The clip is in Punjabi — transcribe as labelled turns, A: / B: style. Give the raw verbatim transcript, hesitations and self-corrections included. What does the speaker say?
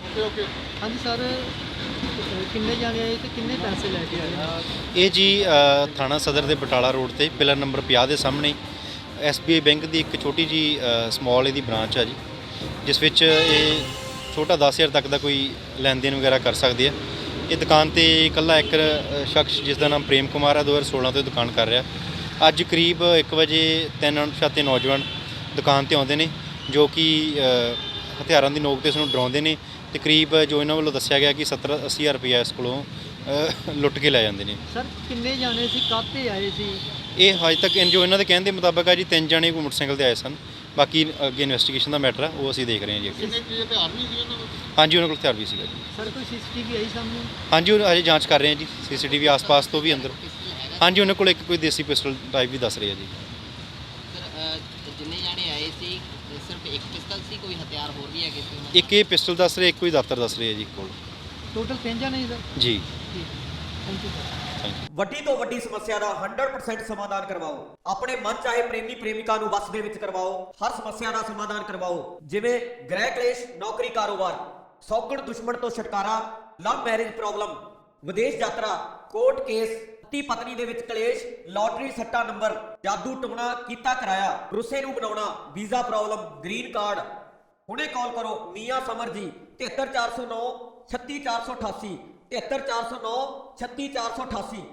A: ओके ओके
B: हाँ जी सर, किन्ने जाने आए थे, किन्ने पैसे लेके आए?
C: ਇਹ ਜੀ ਅ, ਥਾਣਾ ਸਦਰ ਦੇ ਬਟਾਲਾ ਰੋਡ ਤੇ ਪਿਲਰ ਨੰਬਰ ਪੰਜਾਹ ਦੇ ਸਾਹਮਣੇ ਐਸ ਬੀ ਆਈ ਬੈਂਕ ਦੀ ਇੱਕ ਛੋਟੀ ਜੀ ਸਮਾਲ ਇਹਦੀ ਬ੍ਰਾਂਚ ਆ ਜੀ, ਜਿਸ ਵਿੱਚ ਇਹ ਛੋਟਾ ਦਸ ਹਜ਼ਾਰ ਤੱਕ ਦਾ ਕੋਈ ਲੈਣ ਦੇਣ ਵਗੈਰਾ ਕਰ ਸਕਦੇ ਆ। ਇਹ ਦੁਕਾਨ ਤੇ ਇਕੱਲਾ ਇੱਕ ਅ, ਸ਼ਖਸ ਜਿਸ ਦਾ ਨਾਮ ਪ੍ਰੇਮ ਕੁਮਾਰ ਹੈ ਦੋ ਹਜ਼ਾਰ ਸੋਲਾਂ ਤੋਂ ਇਹ ਦੁਕਾਨ ਕਰ ਰਿਹਾ। ਅੱਜ ਕਰੀਬ ਇੱਕ ਵਜੇ ਤਿੰਨ ਅਣਪਛਾਤੇ ਨੌਜਵਾਨ ਦੁਕਾਨ ਤੇ ਆਉਂਦੇ ਨੇ, ਜੋ ਕਿ ਅ, ਹਥਿਆਰਾਂ ਦੀ ਨੋਕ ਤੇ ਇਸ ਨੂੰ ਡਰਾਉਂਦੇ ਨੇ ਤੇ ਕਰੀਬ ਜੋ ਇਹਨਾਂ ਵੱਲੋਂ ਦੱਸਿਆ ਗਿਆ ਕਿ ਸੱਤਰ ਅੱਸੀ ਹਜ਼ਾਰ ਰੁਪਈਆ ਇਸ ਕੋਲੋਂ ਅ, ਲੁੱਟ ਕੇ ਲੈ ਜਾਂਦੇ ਨੇ।
B: ਸਰ ਕਿੰਨੇ ਜਾਣੇ ਸੀ, ਕਾਹਤੇ ਆਏ ਸੀ?
C: ਇਹ ਹਜੇ ਤੱਕ ਜੋ ਇਹਨਾਂ ਦੇ ਕਹਿਣ ਦੇ ਮੁਤਾਬਕ ਆ ਜੀ, ਤਿੰਨ ਜਣੇ ਕੋਈ ਮੋਟਰਸਾਈਕਲ ਤੇ ਆਏ ਸਨ। ਬਾਕੀ ਅੱਗੇ ਇਨਵੈਸਟੀਗੇਸ਼ਨ ਦਾ ਮੈਟਰ ਆ, ਉਹ ਅਸੀਂ ਦੇਖ ਰਹੇ ਹਾਂ ਜੀ ਅੱਗੇ।
A: कितने की हथियार नहीं थी उन्होंने?
C: ਹਾਂਜੀ ਉਹਨਾਂ ਕੋਲ ਹਥਿਆਰ ਵੀ ਸੀਗਾ ਜੀ।
B: ਸਰ ਕੋਈ ਸੀਸੀਟੀਵੀ ਆਈ ਸਾਹਮਣੇ?
C: ਹਾਂਜੀ ਉਹ ਅਜੇ ਜਾਂਚ ਕਰ ਰਹੇ ਹਾਂ ਜੀ, ਸੀਸੀਟੀਵੀ ਆਸ-ਪਾਸ ਤੋਂ ਵੀ ਅੰਦਰ। ਹਾਂਜੀ ਉਹਨਾਂ ਕੋਲ ਇੱਕ ਕੋਈ ਦੇਸੀ ਪਿਸਟਲ ਟਾਈਪ ਵੀ ਦੱਸ ਰਹੇ ਆ ਜੀ।
D: ਸਰ ਜਿੰਨੇ ਜਾਣੇ ਆਏ ਸੀ ਸਿਰਫ ਇੱਕ ਪਿਸਤਲ ਸੀ, ਕੋਈ ਹਥਿਆਰ ਹੋਰ ਵੀ ਹੈਗੇ ਸੀ ਉਹਨਾਂ
C: ਇੱਕ ਇਹ ਪਿਸਟਲ ਦੱਸ ਰਹੇ, ਇੱਕ ਕੋਈ ਦਾਤਰ ਦੱਸ ਰਹੇ ਆ ਜੀ ਕੋਲ।
B: ਟੋਟਲ ਤਿੰਨ ਜਾਣੇ ਸੀ ਸਰ?
C: ਜੀ
B: ਠੀਕ, ਥੈਂਕ ਯੂ ਸਰ।
E: ਵੱਡੀ ਤੋਂ ਵੱਡੀ ਸਮੱਸਿਆ ਦਾ ਸੌ ਪਰਸੈਂਟ ਸਮਾਧਾਨ ਕਰਵਾਓ। ਆਪਣੇ ਮਨ ਚਾਹੇ ਪ੍ਰੇਮੀ ਪ੍ਰੇਮਿਕਾ ਨੂੰ ਵਸ ਦੇ ਵਿੱਚ ਕਰਵਾਓ। ਹਰ ਸਮੱਸਿਆ ਦਾ ਸਮਾਧਾਨ ਕਰਵਾਓ, ਜਿਵੇਂ ਗ੍ਰਹਿ ਕਲੇਸ਼, ਨੌਕਰੀ, ਕਾਰੋਬਾਰ, ਸੌਗਣ ਦੁਸ਼ਮਣ ਤੋਂ ਛੁਟਕਾਰਾ, ਲਵ ਮੈਰਿਜ ਪ੍ਰੋਬਲਮ, ਵਿਦੇਸ਼ ਯਾਤਰਾ, ਕੋਰਟ ਕੇਸ, ਪਤੀ ਪਤਨੀ ਦੇ ਵਿੱਚ ਕਲੇਸ਼, ਲਾਟਰੀ ਸੱਟਾ ਨੰਬਰ, ਜਾਦੂ ਟੂਣਾ ਕੀਤਾ ਕਰਾਇਆ, ਰੁੱਸੇ ਨੂੰ ਬਣਾਉਣਾ, ਵੀਜ਼ਾ ਪ੍ਰੋਬਲਮ, ਗ੍ਰੀਨ ਕਾਰਡ। ਹੁਣੇ ਕਾਲ ਕਰੋ ਮੀਆਂ ਸਮਰ ਜੀ ਤਿਹੱਤਰ ਚਾਰ ਸੌ ਨੌ ਛੱਤੀ ਚਾਰ ਸੌ ਅਠਾਸੀ ਤਿਹੱਤਰ ਚਾਰ ਸੌ ਨੌ ਛੱਤੀ ਚਾਰ ਸੌ ਅਠਾਸੀ।